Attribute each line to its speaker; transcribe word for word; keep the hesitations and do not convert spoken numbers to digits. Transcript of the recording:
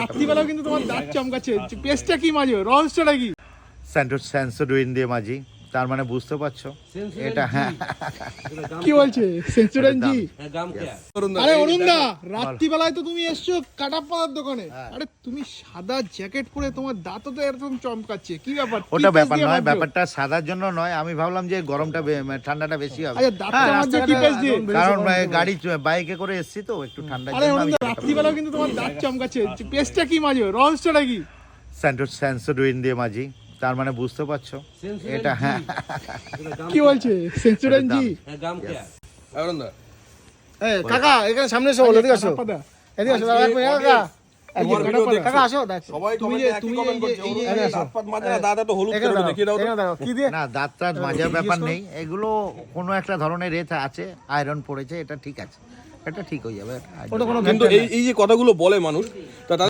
Speaker 1: রাত্রিবেলাও কিন্তু তোমার দাঁত চমকাচ্ছে, পেস্টটা কি মাঝে, রহস্যটা কি?
Speaker 2: সেন্সোডাইন দিয়ে মাঝি, তার মানে বুঝতে পারছো এটা। হ্যাঁ,
Speaker 1: কি বলছে সেন্সুরান জি? আরে অরুণ দা, রাত্রিবেলায় তো তুমি এসছো কাটা পাতার দোকানে, আরে তুমি সাদা জ্যাকেট পরে তোমার দাঁতও তো এরকম চমকাচ্ছে, কি ব্যাপার? কি
Speaker 2: ওটা
Speaker 1: paste
Speaker 2: ব্যাপার
Speaker 1: দিয়ে
Speaker 2: নয়,
Speaker 1: মাজছো?
Speaker 2: ব্যাপারটা সাদার জন্য নয়। আমি ভাবলাম যে গরমটা বে- মানে ঠান্ডাটা বেশি হবে,
Speaker 1: আচ্ছা, দাঁতটা মাজছো কি পেস্ট দিয়ে?
Speaker 2: কারণ আহ, গাড়ি চ- বাইকে করে এসছি তো একটু ঠান্ডার
Speaker 1: আরে
Speaker 2: জন্য
Speaker 1: অরুণ
Speaker 2: আমি
Speaker 1: দা, রাত্রিবেলাও কিন্তু তোমার দাঁত চমকাচ্ছে, পেস্টটা কি মাঝে, রহস্যটা কি?
Speaker 2: সেন্সোডাইন দিয়ে মাঝি, তার মানে বুঝতে পারছো এটা। হ্যাঁ,
Speaker 1: কি বলছে সেন্সুরান জি?
Speaker 3: এই কাকা এখানে সামনে এসো, বলো এদিকে আসো,
Speaker 1: কাটা পাতা।
Speaker 3: এদিকে আসো দাদা, এক মিনিট, কাকা
Speaker 1: এই যে কাটা পাতা।
Speaker 3: কাকা আসো, দেখ
Speaker 4: সবাই
Speaker 1: তুমি
Speaker 4: কমেন্টে
Speaker 1: যে-
Speaker 4: একই
Speaker 1: তুমি
Speaker 4: কমেন্ট
Speaker 1: এই যে-
Speaker 4: করছে,
Speaker 1: এই যে-
Speaker 4: ওর
Speaker 3: এই যে-
Speaker 4: দাঁত ফাত মাজে না, দাদা তো হলুদ
Speaker 3: এখানে
Speaker 4: করে
Speaker 3: দাঁড়াও,
Speaker 4: দেখিয়ে দাও তো।
Speaker 3: এখানে দাঁড়াও, কি দিয়ে?
Speaker 2: না দাঁত টাত মাজার ব্যাপার নেই, এগুলো কোনো একটা ধরনের রেথ আছে, আয়রন পড়েছে, এটা ঠিক আছে, এটা ঠিক হয়ে যাবে।
Speaker 3: ওটা কোনো
Speaker 4: কিন্তু এই এই যে কথাগুলো বলে মানুষ, তা